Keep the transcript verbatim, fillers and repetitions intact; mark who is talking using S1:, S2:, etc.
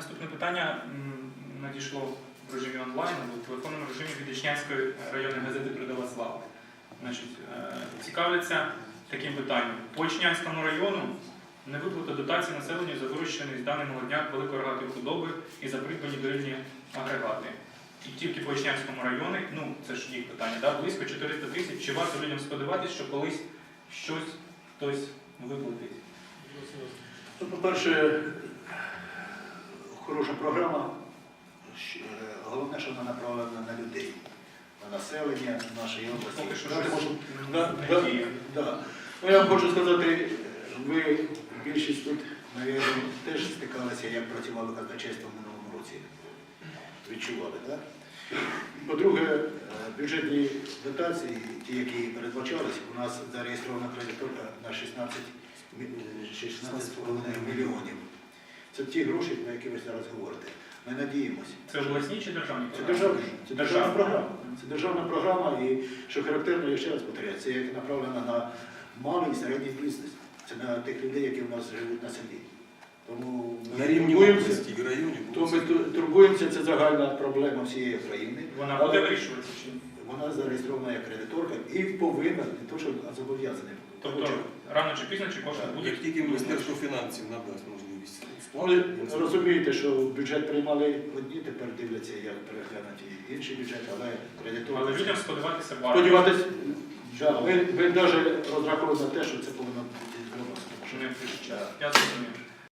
S1: Наступне питання надійшло в режимі онлайн, в телефонному режимі від Ічнянської районної газети «Передова слава». Значить, цікавляться таким питанням. По Ічнянському району не виплата дотації населенню за вирощений з даний молодняк великорогатої худоби і за придбані дорівні агрегати. І тільки по Ічнянському районі, ну це ж їх питання, да, близько чотириста тисяч. Чи варто людям сподіватися, що колись щось хтось виплатить?
S2: Ну, по-перше, хороша програма. Головне, що вона направлена на людей, на населення нашої області.
S1: Поки що
S2: Да,
S1: щось
S2: може,
S1: не
S2: да,
S1: діє.
S2: да, да. Ну, я вам хочу сказати, ви більшість тут, мабуть, теж стикалися, як працювали казначейство в минулому році. Відчували, так? Да? По-друге, бюджетні дотації, ті, які передбачалися, у нас зареєстрована кредиторка на шістнадцять з половиною мільйонів. Це ті гроші, про які ви зараз говорите. Ми надіємося.
S1: Це обласні чи державні
S2: Це
S1: програми?
S2: державна, це державна програма. Це державна програма і, що характерно, я ще раз повторяю, це як направлена на малий і середній бізнес. Це на тих людей, які в нас живуть на селі. Тому
S3: на рівні області і районів.
S2: То ми турбуємося, це загальна проблема всієї країни.
S1: Вона буде вирішуватися чи ні?
S2: Вона зареєстрована як кредиторка і повинна, не то, що зобов'язана.
S1: Тобто рано чи пізно, чи кошти будуть?
S3: Як тільки Міністерство фінансів надасть можливість
S2: Ви
S3: сплати.
S2: розумієте, що бюджет приймали одні, тепер дивляться, як переглянути інший бюджет, але кредиторка...
S1: Але людям сподіватися варто.
S2: Сподіватися, да, ви, ви навіть розраховуєте на те, що це повинно бути зроблено.
S1: Що не вирішить час. Я зрозумів.